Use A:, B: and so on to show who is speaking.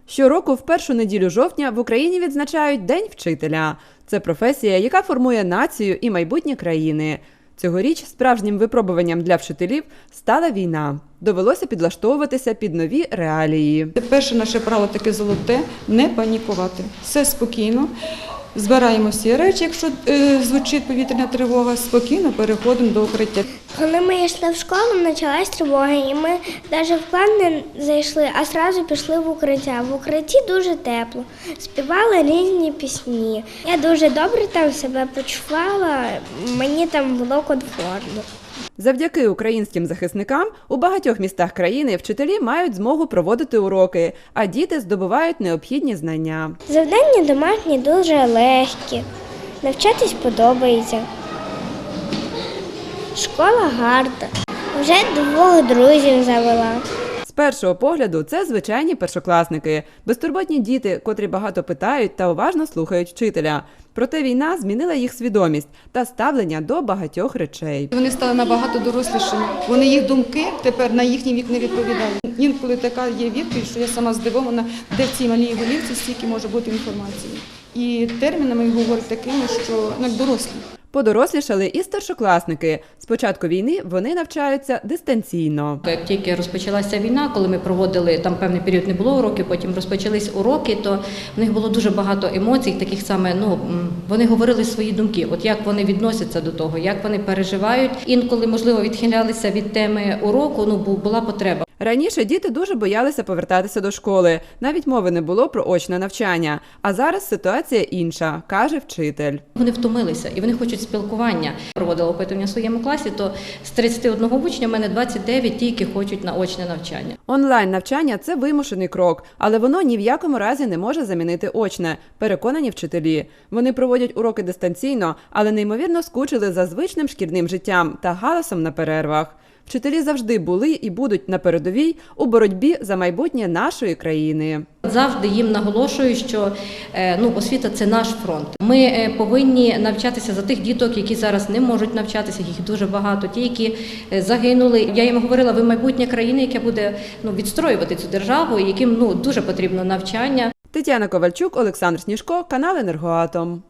A: Щороку в першу неділю жовтня в Україні відзначають День вчителя. Це професія, яка формує націю і майбутнє країни. Цьогоріч справжнім випробуванням для вчителів стала війна. Довелося підлаштовуватися під нові реалії.
B: Перше наше правило таке золоте – не панікувати. Все спокійно. Збираємо всі речі, якщо звучить повітряна тривога, спокійно переходимо до укриття.
C: Коли ми йшли в школу, почалась тривога, і ми навіть в клас не зайшли, а одразу пішли в укриття. В укритті дуже тепло, співали різні пісні. Я дуже добре там себе почувала, мені там було комфортно.
A: Завдяки українським захисникам у багатьох містах країни вчителі мають змогу проводити уроки, а діти здобувають необхідні знання.
C: Завдання домашні дуже легкі, навчатись подобається. Школа гарна, вже 2 друзів завела.
A: З першого погляду це звичайні першокласники, безтурботні діти, котрі багато питають та уважно слухають вчителя. Проте війна змінила їх свідомість та ставлення до багатьох речей.
B: Вони стали набагато дорослішими. Вони їх думки тепер на їхній вік не відповідають. Інколи така є відповідь, що я сама здивована, де в цій малій голівці стільки може бути інформації. І термінами говорять такими, що як дорослі.
A: Подорослішали і старшокласники. З початку війни вони навчаються дистанційно.
D: Як тільки розпочалася війна, коли ми проводили, там певний період не було уроків, потім розпочались уроки, то в них було дуже багато емоцій, таких саме, вони говорили свої думки, от як вони відносяться до того, як вони переживають. Інколи, можливо, відхилялися від теми уроку, була потреба.
A: Раніше діти дуже боялися повертатися до школи, навіть мови не було про очне навчання. А зараз ситуація інша, каже вчитель.
D: Вони втомилися і вони хочуть спілкування. Проводила опитування в своєму класі, то з 31 учня в мене 29 тільки хочуть на очне навчання.
A: Онлайн-навчання – це вимушений крок, але воно ні в якому разі не може замінити очне, переконані вчителі. Вони проводять уроки дистанційно, але неймовірно скучили за звичним шкільним життям та галасом на перервах. Вчителі завжди були і будуть на передовій у боротьбі за майбутнє нашої країни.
D: Завжди їм наголошую, що освіта – це наш фронт. Ми повинні навчатися за тих діток, які зараз не можуть навчатися, їх дуже багато, ті, які загинули. Я їм говорила, ви майбутнє країни, яке буде відстроювати цю державу, яким дуже потрібно навчання.
A: Тетяна Ковальчук, Олександр Сніжко, канал «Енергоатом».